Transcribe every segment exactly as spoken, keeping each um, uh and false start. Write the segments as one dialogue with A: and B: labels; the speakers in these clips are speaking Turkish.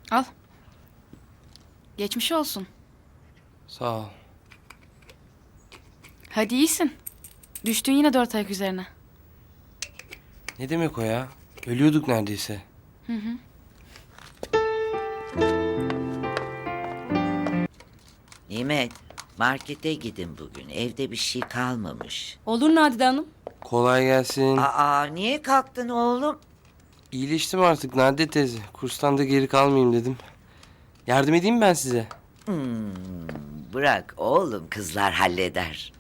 A: Al. Geçmiş olsun.
B: Sağ ol.
A: Hadi iyisin. Düştün yine dört ayak üzerine.
B: Ne demek o ya? Ölüyorduk neredeyse.
C: Nimet, markete gidin bugün. Evde bir şey kalmamış.
D: Olur Nadide Hanım.
B: Kolay gelsin.
C: Aa, niye kalktın oğlum?
B: İyileştim artık Nadide teyze. Kurstan da geri kalmayayım dedim. Yardım edeyim mi ben size?
C: Bırak oğlum, kızlar halleder.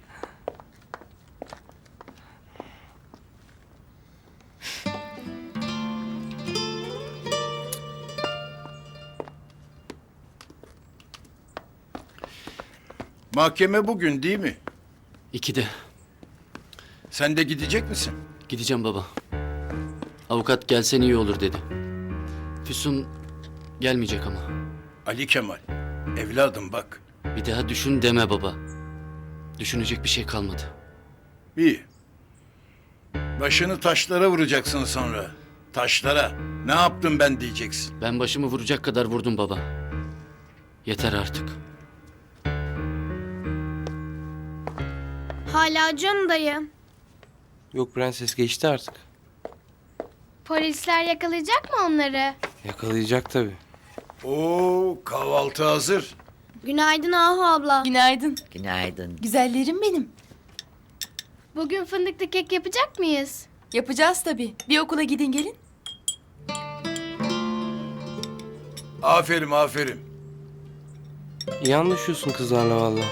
E: Mahkeme bugün değil mi?
F: İkide.
E: Sen de gidecek misin?
F: Gideceğim baba. Avukat gelsen iyi olur dedi. Füsun gelmeyecek ama.
E: Ali Kemal, evladım bak.
F: Bir daha düşün deme baba. Düşünecek bir şey kalmadı.
E: İyi. Başını taşlara vuracaksın sonra. Taşlara. Ne yaptım ben diyeceksin.
F: Ben başımı vuracak kadar vurdum baba. Yeter artık.
G: Hala acıyor mu dayı?
B: Yok prenses geçti artık.
G: Polisler yakalayacak mı onları?
B: Yakalayacak tabii.
E: Oo, kahvaltı hazır.
G: Günaydın Ahu abla.
D: Günaydın.
C: Günaydın.
D: Güzellerim benim.
G: Bugün fındıklı kek yapacak mıyız?
D: Yapacağız tabii. Bir okula gidin gelin.
E: Aferin, aferin.
B: İyi anlaşıyorsun kızlarla vallahi.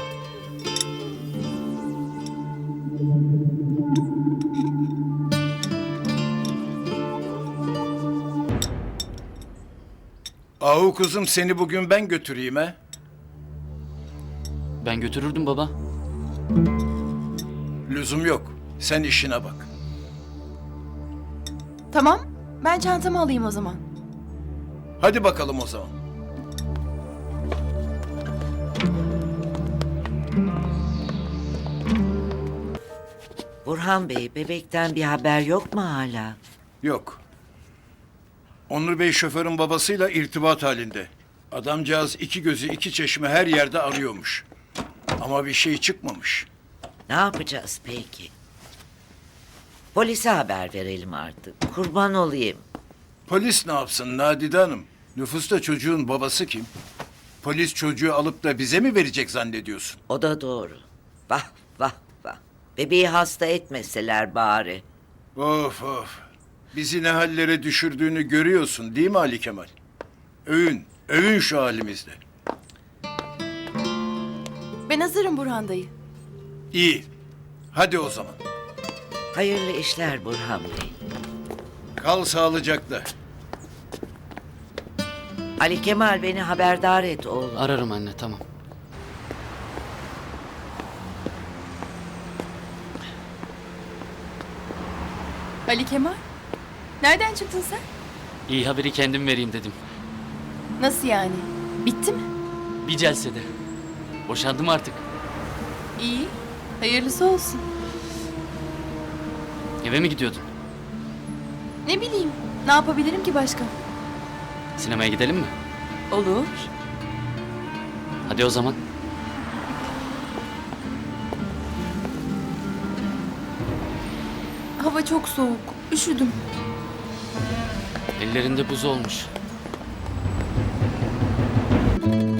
E: Ahu kızım, seni bugün ben götüreyim he.
F: Ben götürürdüm baba.
E: Lüzum yok. Sen işine bak.
D: Tamam. Ben çantamı alayım o zaman.
E: Hadi bakalım o zaman.
C: Burhan Bey, bebekten bir haber yok mu hala?
E: Yok. Onur Bey şoförün babasıyla irtibat halinde. Adamcağız iki gözü iki çeşme her yerde arıyormuş. Ama bir şey çıkmamış.
C: Ne yapacağız peki? Polise haber verelim artık. Kurban olayım.
E: Polis ne yapsın Nadide Hanım? Nüfusta çocuğun babası kim? Polis çocuğu alıp da bize mi verecek zannediyorsun?
C: O da doğru. Vah vah vah. Bebeği hasta etmeseler bari.
E: Of of. Bizi ne hallere düşürdüğünü görüyorsun değil mi Ali Kemal? Övün, övün şu halimizde.
D: Ben hazırım Burhan dayı.
E: İyi. Hadi o zaman.
C: Hayırlı işler Burhan Bey.
E: Kal sağlıcakla.
C: Ali Kemal, beni haberdar et oğlum.
F: Ararım anne, tamam.
D: Ali Kemal. Nereden çıktın sen?
F: İyi haberi kendim vereyim dedim.
D: Nasıl yani? Bitti mi?
F: Bir celsede. Boşandım artık.
D: İyi. Hayırlısı olsun.
F: Eve mi gidiyordun?
D: Ne bileyim. Ne yapabilirim ki başka?
F: Sinemaya gidelim mi?
D: Olur.
F: Hadi o zaman.
D: Hava çok soğuk. Üşüdüm.
F: Ellerinde buz olmuş.